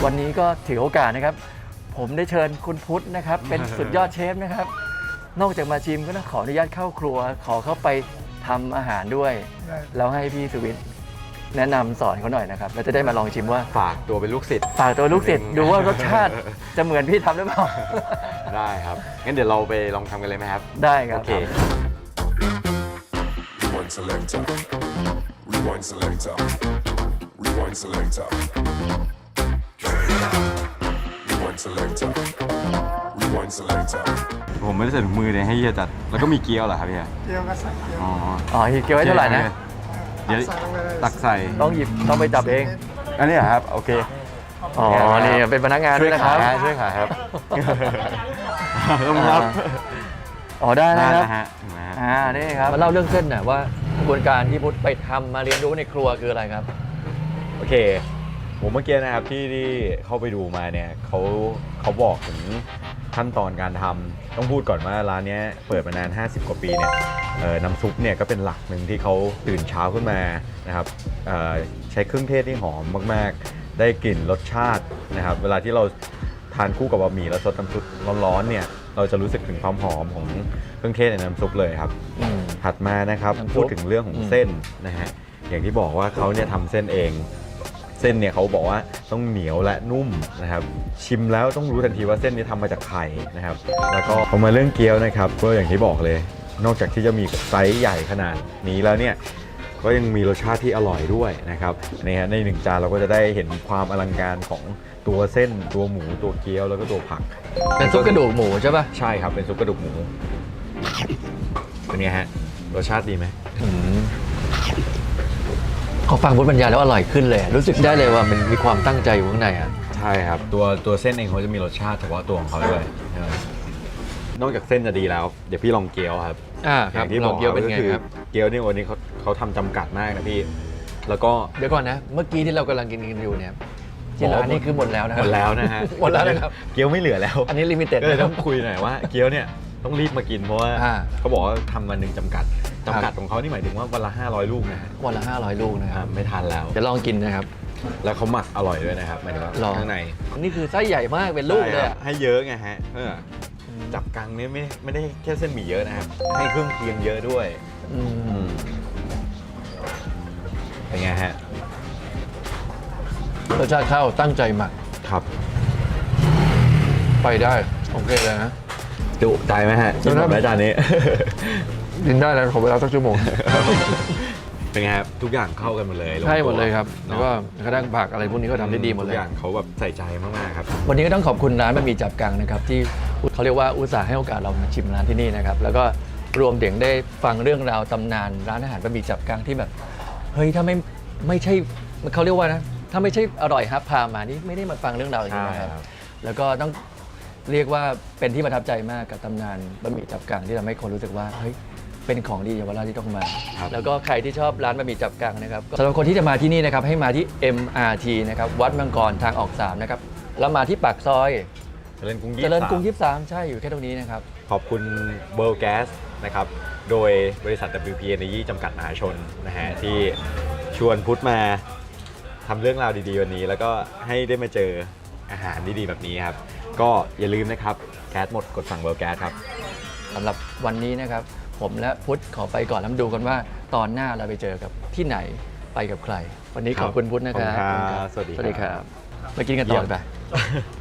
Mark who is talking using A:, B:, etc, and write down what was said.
A: วันนี้ก็ถือโอกาสนะครับผมได้เชิญคุณพุทธนะครับเป็นสุดยอดเชฟนะครับนอกจากมาชิมก็ต้องขออนุญาตเข้าครัวขอเข้าไปทำอาหารด้วยแล้วให้พี่สุวิทย์แนะนำสอนเขาหน่อยนะครับเราจะได้มาลองชิมว่า
B: ฝากตัวเป็นลูกศิษย์
A: ฝากตัวลูกศิษย์ดูว่ารสชาติจะเหมือนพี่ทำหรือเปล่า
B: ได้ครับงั้นเดี๋ยวเราไปลองทำกันเลยไหมครับ
A: ได้ครับ
B: โอเค
C: Rewind selector. Rewind selector. Rewind selector. Rewind selector. Rewind selector.
B: ผมไม่ได้ใส่ถุงมือเลยให้เฮียจัดแล้วก็มีเกี๊ยวเหรอครับเฮีย
D: เกี๊ยวก็ใส่เกี๊ยว
A: อ๋อเกี๊ยวไว้เท่าไหร่นะ
B: เดี๋ยวตักใส่
A: ต้องหยิบต้องไปจับเอง
B: อันนี้ครับโอเค
A: อ๋อนี่เป็นพนักงานด้วยนะครับ
B: ช่วยขายครับต้องครับ
A: อ๋อได้นะครับ
B: ฮะ
A: นี่ครับมาเล่าเรื่องเส้นหน่อยว่ากระบวนการที่พุทธไปทำมาเรียนรู้ในครัวคืออะไรครับ
B: โอเคผมเมื่อกี้นะครับที่เข้าไปดูมาเนี่ยเขาบอกถึงขั้นตอนการทำต้องพูดก่อนว่าร้านนี้เปิดมานาน50 กว่าปีเนี่ยน้ำซุปเนี่ยก็เป็นหลักหนึ่งที่เขาตื่นเช้าขึ้นมานะครับใช้เครื่องเทศที่หอมมากๆได้กลิ่นรสชาตินะครับเวลาที่เราทานคู่กับบะหมี่แล้วซดน้ำซุปร้อนๆเนี่ยเราจะรู้สึกถึงความหอมของเครื่องเทศในน้ำซุปเลยครับถัดมานะครับพูดถึงเรื่องของเส้นนะฮะอย่างที่บอกว่าเขาเนี่ยทำเส้นเองเส้นเนี่ยเขาบอกว่าต้องเหนียวและนุ่มนะครับชิมแล้วต้องรู้ทันทีว่าเส้นนี้ทำมาจากไข่นะครับแล้วก็พอมาเรื่องเกี๊ยวนะครับก็อย่างที่บอกเลยนอกจากที่จะมีไซส์ใหญ่ขนาดนี้แล้วเนี่ยก็ยังมีรสชาติที่อร่อยด้วยนะครับนี่ฮะในหนึ่งจานเราก็จะได้เห็นความอลังการของตัวเส้นตัวหมูตัวเกี๊ยวแล้วก็ตัวผัก
A: เป็นซุปกระดูกหมูใช่ป่ะ
B: ใช่ครับเป็นซุปกระดูกหมูเป็นไงฮะรสชาติดีไหม
A: พอฟังพุทธบรรยายแล้วอร่อยขึ้นเลยรู้สึกได้เลยว่ามันมีความตั้งใจอยู่ข้างในอ่ะ
B: ใช่ครับตัวเส้นเองเขาจะมีรสชาติเฉพาะตัวของเขาด้วยนอกจากเส้นจะดีแล้วเดี๋ยวพี่ลองเกี๊ยวครับ
A: ครับที่บอกเกี๊ยวเป็นไงครับ
B: เกี๊ยวนี่วันนี้เขาทำจำกัดมากนะพี่แล้วก็
A: เดี๋ยวก่อนนะเมื่อกี้ที่เรากำลังกินอยู่เนี่ยที่ร้านนี้คือหมดแล้วนะ
B: หมดแล้วนะฮะ
A: หมดแล้วนะครับ
B: เกี๊ยวไม่เหลือแล้ว
A: อันนี้ลิมิเต็ด
B: เลยต้องคุยหน่อยว่าเกี๊ยวเนี่ยต้องรีบมากินเพราะว่าเขาบอกว่าทำวันหนึ่งจำกัดของเขานี่หมายถึงว่าวันละ500 ลูกนะฮะ
A: วันละ500 ลูกนะครับ
B: ไม่ทันแล้ว
A: จะลองกินนะครับ
B: แล้วเขาหมักอร่อยด้วยนะครับหมายถึงว่าข้างใน
A: นี่คือไส้ใหญ่มากเป็นลูกเลย
B: ให้เยอะไงฮะจับกังนี่ไม่ได้แค่เส้นหมี่เยอะนะครับให้เครื่องเคียงเยอะด้วยเป็นไงฮะ
A: รสชาติข้าวตั้งใจหมัก
B: ครับ
A: ไปได้โอเคเลยนะ
B: จุใจไหมฮะกินหมดไหมจานนี้
A: กินได้แล้วขอเวลาสักชั่วโมง
B: เป็นไงครับทุกอย่างเข้ากันหมดเลย
A: ใช่หมดเลยครับแล้วก็กระด้างผักอะไรพวกนี้ก็ทำได้ดีหมดเลย
B: ทุกอย่างเขาแบบใส่ใจมากๆครับ
A: วันนี้ก็ต้องขอบคุณร้านบะหมี่จับกังนะครับที่เขาเรียกว่าอุตส่าห์ให้โอกาสเรามาชิมร้านที่นี่นะครับแล้วก็รวมถึงได้ฟังเรื่องราวตำนานร้านอาหารบะหมี่จับกังที่แบบเฮ้ยถ้าไม่ใช่เขาเรียกว่านะถ้าไม่ใช่อร่อยฮับพามานี่ไม่ได้มาฟังเรื่องราวอย่างนี้นะครับแล้วก็ต้องเรียกว่าเป็นที่ประทับใจมากกับตำนานบะหมี่จับกังที่ทำให้คนรู้สึกว่าเฮ้ยเป็นของดีเยาวราชที่ต้องมาแล้วก็ใครที่ชอบร้านบะหมี่จับกังนะครับสำหรับคนที่จะมาที่นี่นะครับให้มาที่ MRT นะครับวัดมังกรทางออก3นะครับแล้วมาที่ปากซอย
B: เจริญกรุง
A: 23ใช่อยู่แค่ตรงนี้นะครับ
B: ขอบคุณ World Gas นะครับโดยบริษัท WP Energy จำกัดมหาชนนะฮะที่ชวนพุทธมาทำเรื่องราวดีๆวันนี้แล้วก็ให้ได้มาเจออาหารดีๆแบบนี้ครับก็อย่าลืมนะครับแก๊สหมดกดสั่ง World Gas ครับ
A: สำหรับวันนี้นะครับผมและพุทธขอไปก่อนแล้วดูกันว่าตอนหน้าเราไปเจอกับที่ไหนไปกับใครวันนี้ขอบคุณพุทธนะครับ
B: สวัสดี
A: ครับมากินกันต่อไป